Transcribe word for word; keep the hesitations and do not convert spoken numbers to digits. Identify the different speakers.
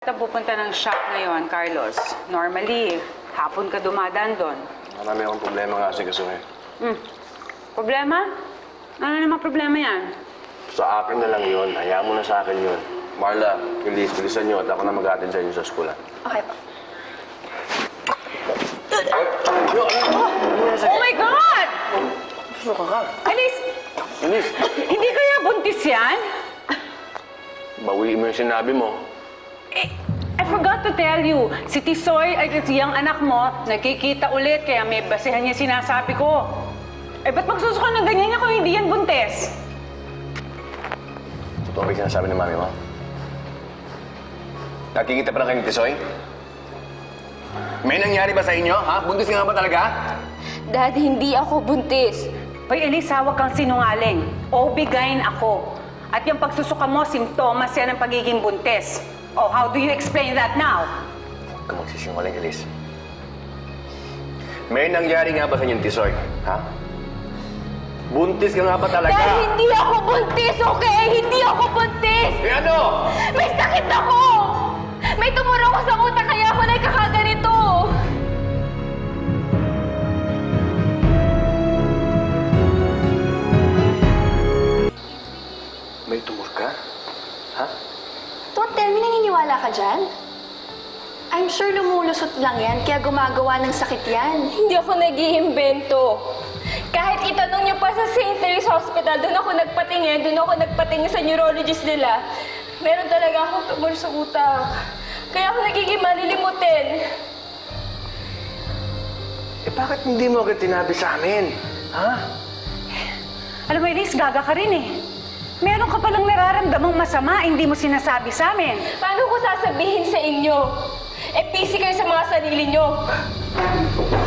Speaker 1: Ito pupunta ng shop ngayon, Carlos. Normally, hapon ka dumadaan doon.
Speaker 2: Marami akong problema nga kasi kasi.
Speaker 1: Hmm. Problema? Ano naman problema yan?
Speaker 2: Sa akin na lang yun. Hayaan mo na sa akin yun. Marla, Elise, bilisan nyo at ako na mag-attend sa inyo sa eskwela.
Speaker 3: Okay po.
Speaker 1: Oh my God!
Speaker 2: Suka ka.
Speaker 1: Alice,
Speaker 2: Elise,
Speaker 1: hindi kaya buntis yan?
Speaker 2: bawiin mo yung sinabi mo.
Speaker 1: Eh, I forgot to tell you, si Tisoy ay yung anak mo, nagkikita ulit, kaya may basehan niya sinasabi ko. Eh, ba't magsusuka ng ganyan niya kung hindi yan buntis?
Speaker 2: Totoo ba yung sinasabi ng mami mo? Nakikita pa na kayo ni Tisoy? May nangyari ba sa inyo, ha? Buntis ka nga ba talaga?
Speaker 3: Dad, hindi ako buntis.
Speaker 1: Hoy, Elisa, huwag kang sinungaling. O-B-G Y N ako. At yung pagsusuka mo, simptomas yan ng pagiging buntis. Oh, how do you explain that now?
Speaker 2: Huwag ka magsisinungaling, Elise. May nangyari nga ba sa inyo ni Tisoy, ha? Buntis ka nga ba talaga?
Speaker 3: Dad, hindi ako buntis, okay? Hindi ako buntis!
Speaker 2: Eh ano?
Speaker 3: May sakit ako! May tumuro ko sa utak, kaya ako nagkakaganito!
Speaker 2: May tumor ka? Ha?
Speaker 4: Don't tell me naniniwala ka dyan. I'm sure lumulusot lang yan, kaya gumagawa ng sakit yan.
Speaker 3: Hindi ako nag-iimbento. Kahit itanong niyo pa sa Saint Mary's Hospital, doon ako nagpatingin, doon ako nagpatingin sa neurologist nila. Meron talaga akong tumor sa utak. Kaya ako nagiging malilimutin.
Speaker 2: Eh bakit hindi mo agad tinabi sa amin? Ha?
Speaker 1: Alam mo, Elise, gaga ka rin eh. Meron ka palang nararamdamang masama, hindi mo sinasabi sa amin.
Speaker 3: Paano ko sasabihin sa inyo? Eh, busy kayo sa mga sarili nyo.